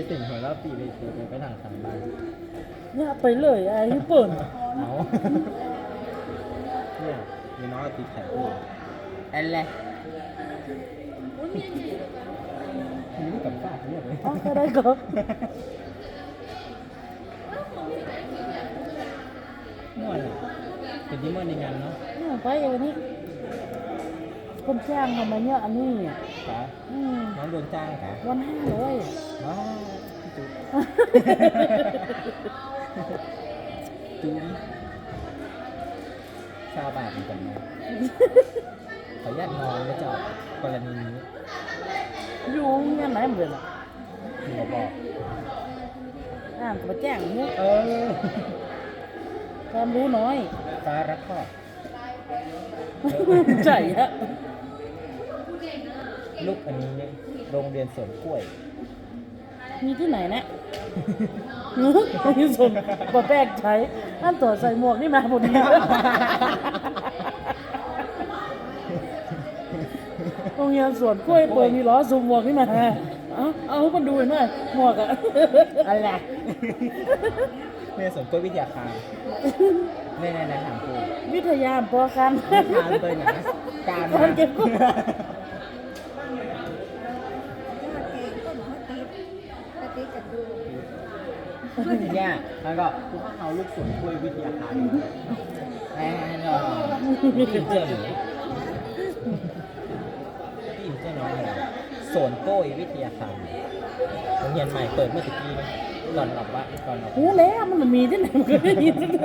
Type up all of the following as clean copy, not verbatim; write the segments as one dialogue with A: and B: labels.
A: สิ่งของเราปีเลยไปทางทางบ้าน
B: เนี่ยไปเลยไอ้เปิ่น
A: เอาเนี่ยมีน้องตีไข่ด้วยแอนแหละนี่กับป้าเนี่ยเลย
B: อ๋อก็ได้ก็
A: ม่วนอ่ะเป็นที่ม่วนในงานเนาะ
B: เนี่ยไปวันนี้คนจ้างมาเนี่ยอันนี้
A: ค่ะ
B: อืม
A: น้องโดนจ้างค่ะ
B: วัน500
A: ว้าวจุ๊บจุ๊บชาวบ้านเหมือนกันนะขออนุญาตนอนนะเจ้ากรณีนี้
B: อยู่เงี้ยไหนเหมือนอ่ะ
A: คุณบอก
B: อ่านก็มาแจ้งเนี่ย ความรู้น้อย
A: ฟ้ารักครอบ
B: ใจอะ
A: ลูกอันนี้โรงเรียนสวนกล้วย
B: มีที่ไหนนะที่สุดปะแป้งใช้อันตัวใส่หมวกนี่มาพอดีโรงเรียนสวนกล้วยเปิดมีล้อซูมหมวกนี่มาเอามันดูหน่อยหมวกอะอะไร
A: เรียนสวนกล้วยวิทยาคารในถามครู
B: วิทยาพอกัน
A: ทานเลยนะการ
B: คนเก็บกุ้ง
A: เนี่ยแล้วก็คุณพ่อเขาลูกสวนกล้วยวิทยาคารแอนก็พี่อินเจอร์หรือพี่อินเจอร์น้องเลยสวนกล้วยวิทยาคารโรงเรียนใหม่เปิดเมื่อตะกี้นะก่อนหลับว่าก่อนหลับ
B: หูแล้วมันมีที่ไหนมันก็ได้ยินเลย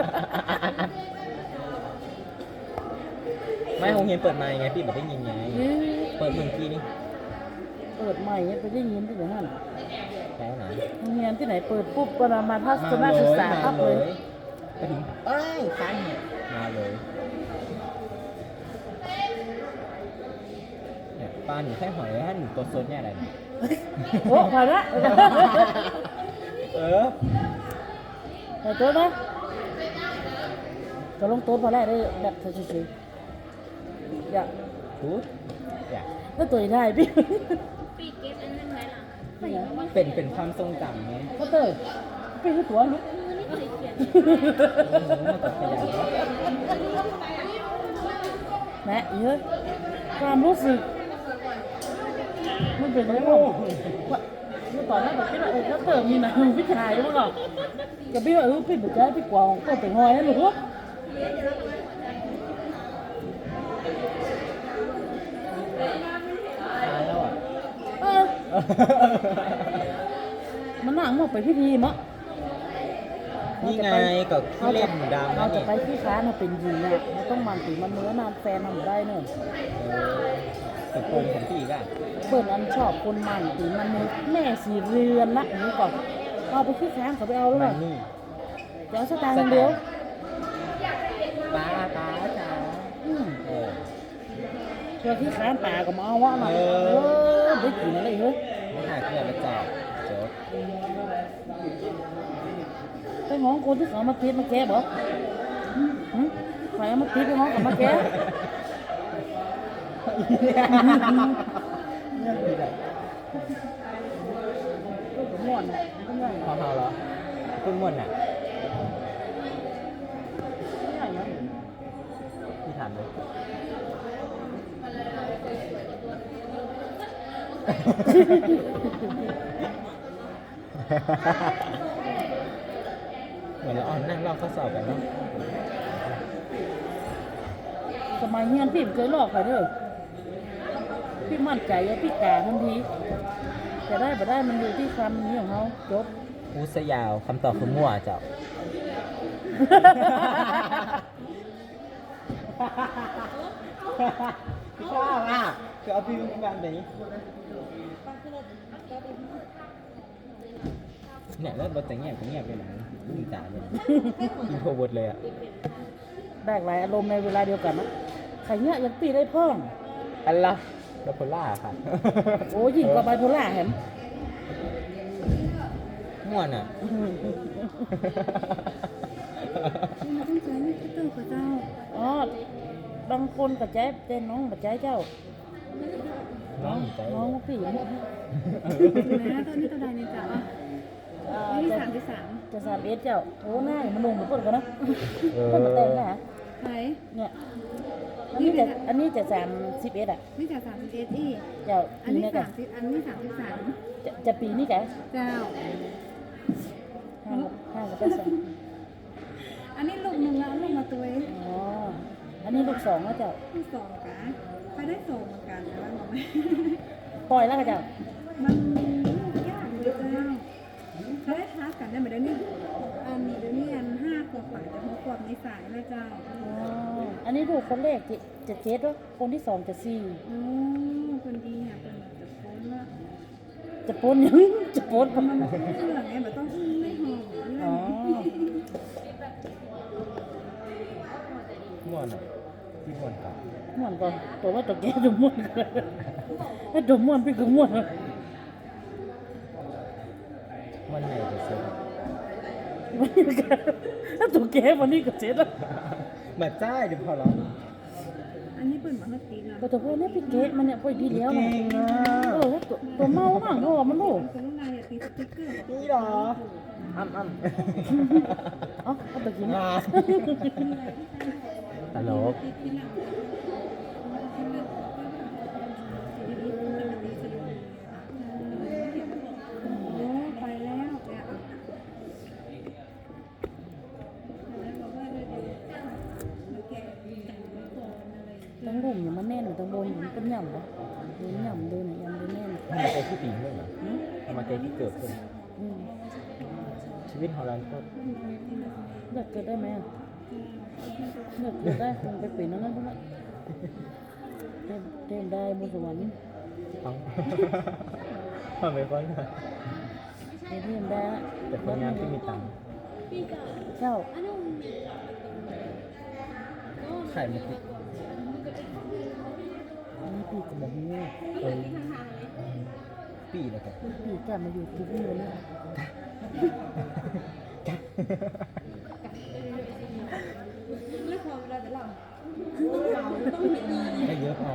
A: ไม่โรงเรียนเปิดมาไงพี่บอกได้ยินไงเปิดเมื่อกี้นี่
B: เปิดใหม่ไปได้ยินที่ไหนนั่น
A: แล้วไหน
B: โรงเรียนที่ไหนเปิดปุ๊บก็มาทัศนศึกษาปั๊บเลย
A: ไปถึงเอ้ยคันเนี่ยมาเลยเนี่ยปลาหนูแค่หอยถ้าหนูตัวโซนเนี่ยอะไรเนี่ย
B: โอ้พอละ
A: เออ
B: ใส่โต๊ะนะจะลงโต๊ะพอแล้วได้แบบเฉยๆอย่า
A: พูดอยาก
B: ถ้าตัวได้พี่
C: ปีเก็บอันนั้นไว้หลัง
A: เป็นความทรงจำไหม
B: ก็เตยพี่คือตัวลูก
C: มือนี่เคยเขียน
A: มากับขยันเนาะ
B: แม่เยอะความรู้สึกมันเป็นอะไรบ้างว่าเมื่อตอนนั้นแบบคิดว่าถ้าเติมมีหนังพี่ชายมั้งหรอกับพี่ว่าพี่บุญใจพี่กวางก็เป็นหอยนะหนู
A: ตายแล้วอ่ะ
B: มันนั่งมาไปพิธีมั้ง
A: นี่ไงกับที่เล่นดำ
B: เรา
A: นะ
B: จะ
A: นี่
B: ไปที่ค้าเราเป็นหญิงอ่ะเราต้องมันตีมันเนื้อนานแฟนทำได้เนอะ
A: ติดโกงของพี่อีกอ่ะ
B: เปิดอันชอบคนมันตีมันเนื้อแม่สีเรือนละอย่างนี้ก่อนเอาไปที่ค้าเขาไปเอาหรือเป
A: มั
B: ล่าน
A: นี่
B: จะเอาสตางค์เดียว
A: ป้าจ๋า เออ
B: เพื่อที่ค้าป่าก็มาเอาว่ามาได้กินอะไรเฮ้ย
A: ไม่หาเกลือมาจอบจบ
B: ไปห้องคนที่เขามาติดมาแก้บ่ใครเอามาติดไปห้องกับมาแก้
A: เนี่ยคือแบบ
B: ก็ม่วนอ่ะก็ง่าย
A: พอเฮาเหรอเพิ่งม่วนอ่ะ
B: ง่ายนะ
A: พี่ถามเลยเหมือนเราอ่อนนั่งรอบข้อสอบกันเนาะ
B: สมัยเฮียนพี่เคยหลอกใครเด้อพี่มั่นใจว่าพี่กาทันทีจะได้บ่ได้มันอยู่ที่คำนี้ของเขาจบ
A: พูดซะยาวคำตอบคือมั่วเจ้าพี่ชอบอ่ะคือเอาพี่มาแบบนี้เนี่ยแล้วบทแต่งเงียบก็เงียบไปไหนยิ่งจ่าเลยอินโทรเวิร์ดเลยอ่ะ
B: แบกหลายอารมณ์ในเวลาเดียวกันนะใครเนี้ยยังปีได้เพิ่ม
A: อันละไบโพล่าค่ะ
B: โอ้ยิ่งกว่าไบโพล่าเห็น
A: ม่วนอ่ะ
C: ต้องใช้นี่ก็ต้องกับเจ้า
B: อ๋อบางคนกับใจน้องกับใจเจ้า
A: น้องใจ
B: น้องพี่
C: นะตอนนี้ตัวใดเนี่ยจ้ะนี่33
B: จะ31เจ้าโอ้หน้ามันลงเพิ่นก็นะ
A: เอ
B: เพิ่นมาแต่งนะ
C: ใคร
B: เนี่ยอันนี้จะ31อ่ะ
C: นี่จ้ะ31อีก
B: เจ้า
C: อัน
B: ปี
C: นี้
B: นี้กัน
C: 30อันนี้33
B: จะปีนี้แก
C: เจ้า
B: ห้ากับเป็นสอง
C: อันนี้ลูกหนึ่งแล้วลูกมาตัวเอง
B: อ๋ออันนี้ลูกสองแล้วเจ้า
C: ลูกสองกะไปได้ส่งเหมือนกันแต่ว่าบอกไม่
B: ปล่อยแล้วก็เจ้า
C: มันลูกยากเลยเจ้าเขาได้ทักกันได้ไหมเดี๋ยวนี้อันนี้เดี๋ยวนี้อัน5 ขวบฝ่ายจะ6 ขวบในสายแล้วเจ้า
B: อ๋ออันนี้ลูกคนแรกจะเจ็ดวะคนที่สองจะสี่
C: โอ้คนดีอ่ะเป็นจะพ้นละ
B: จะปนยัง จะปน
C: มันเรื่องไงแบบต้องไม่หอมเรื่
B: อ๋อ
A: ม่วนอ่ะที่ม่วนกับ
B: ม่วนก่อนตัวว่าตัวแกตัวม่วนไอ้ตัวม่วนพี่ก็ม่วน
A: ม่วนไหนจะซื้อ
B: วันนี้ก็ถ้าตัวแกวันนี้ก็เจ็ดแล้ว
A: แบบจ้าเดี๋ยวพอแล้ว
C: อันนี้เปิดมาเมื่อกี้นะ
B: ก็ตัวพวกนี้พี่เกะมันเนี่ยพอดีแล้ว
A: เก่
B: นะ
A: งอ่ะ
B: แล้วตัวเมาบ้างเพราะว่ามันลูก
C: เป็นอะไรอ่ะตีสติ๊กเกอร์
A: นี่เหรออ้ำ
B: เอ๋อเอาไปกิน
A: อ่าตลก
C: ที่หลังโอ้ไปแล้วเนี่ย
B: ทั้งลุ่มเนี่ยมันแน่นทั้งบนมันเป็นหย่ำปะเดินหย่ำเดินเนี่ยยำเดินแน่น
A: ทำมาใจที่ปีนด้วยเหรอ
B: อืม
A: ทำมาใจที่เกิดขึ้น
B: อืม
A: ชีวิตของเราโคตร
B: เลือกเกิดได้ไหมอ่ะเลือกเกิดได้คงไปเปลี่ยนนั่นนั่นเต็มได้บนสวรรค์
A: ฟังทำไปก่อนค่ะ
B: เต็มได้
A: แต่คนงานที่มีตังค์
B: เจ้า
A: ไข่มันติด
B: อันนี้ปีกกับหมู
A: เออปีนะครับ
B: ปีกกลับมาอยู่ที่นี่เลยนะ
C: ไม่พอเวลาแต่เรา
A: ไม่เยอะพอ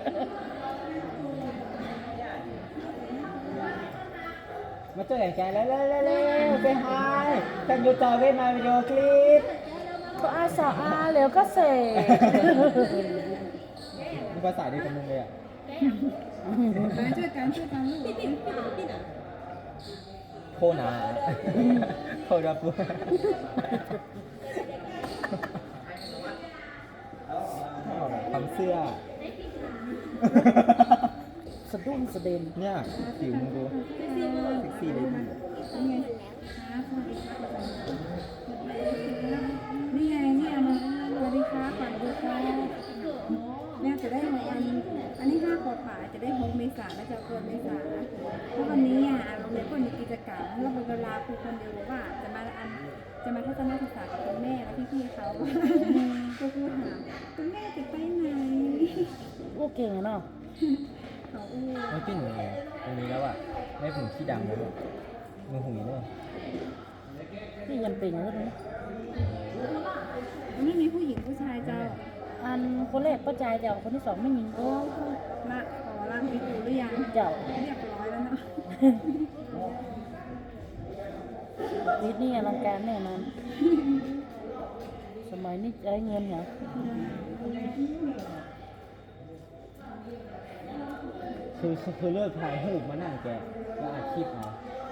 A: มาเจอแกแล้วไปหายกันยูจอเวทมาวิดีโอคลิป
B: ก็อาสาอาแล้วก็เสก
A: มีภาษาดีกับมึงเลยอ่ะ
C: ช่วยกันลูก
A: โคนาโคราปุทำเสื้อ
B: สะดุ้งสะเด็น
A: เนี่ยผิวมึงดูเซ็กซี่เลยพี่
C: นี่ไงเนี่ยมาสวัสดีค่ะก่อนดูค่ะเนี่ยจะได้อันนี้5 ขวบฝ่ายจะได้6 เมษายนและจะเกินเมษายนเพราะวันนี้อ่ะโรงเรียนก็มีกิจกรรมแล้วเวลาครูคนเดียวว่าจะมาทัศนศึกษากับคุณแม่และพี่ๆเขาก็คือถามคุณแม่จะไปไหน
B: โอ้เก่งอะเนาะ
C: เขาอู้
A: ไม่พี่หนูตรงนี้แล้วอ่ะได้ผงที่ดังแล้วมือหุยเนอะ
B: ที่ยันเป็นแล้วนะ
C: ไม่มีผู้หญิงผู้ชายเจ้า
B: อันคนแรกก็ใจเจ้าคนที่สองไม่ยิง
C: โอ้ละขอร่างพิจูหรือยัง
B: เจ้า
C: เรียบร้อยแล้วเนาะ
B: วิทย์นี่อลังการแน่นอนสมัยนี้ใช้เงินเหรอ
A: คือเลิกถ่ายรูปมานั่งแกแล้วอัดคลิปเอา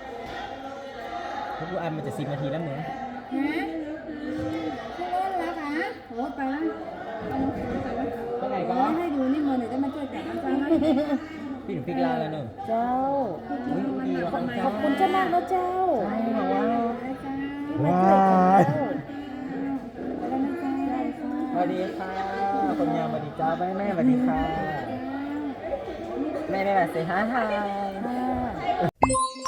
A: ทุกอันมันจะ10 นาทีแล้วมึง
C: ฮะขึ้นรถแล้วคะโอ้ไปแล้วไปแล้ว
A: ไปไหนก็
C: ให้ดูนี่มือหน่อยจะมาช่วยแต่งกันจ้า
A: พี่หนูฟิกลาแล้วเนอะ
B: เจ้า
A: ดีว่ะ
B: ขอบคุณเจ้ามากนะเจ้า
A: ใช่เหรอวะ
B: มาช่วยกันแล้ว
A: สวัสดีค่ะคนงามสวัสดีจ้าแม่สวัสดีค่ะแม่เสียหาย
B: ค่ะ